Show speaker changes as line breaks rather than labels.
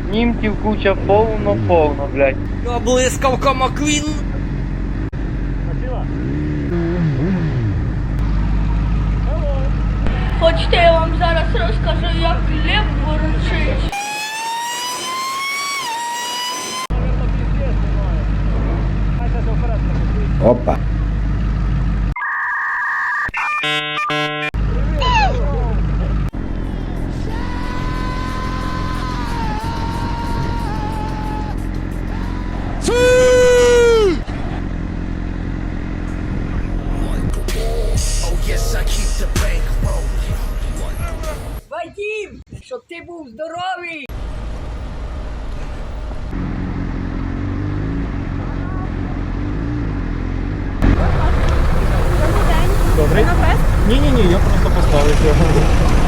Німців куча повно, блядь.
Ну, блискавка Маквін.
Хочете, я вам зараз розкажу, як Лев ворочить.
Опа.
Вадим, щоб ти був здоровий.
Добрий? Ні, я просто поставив його.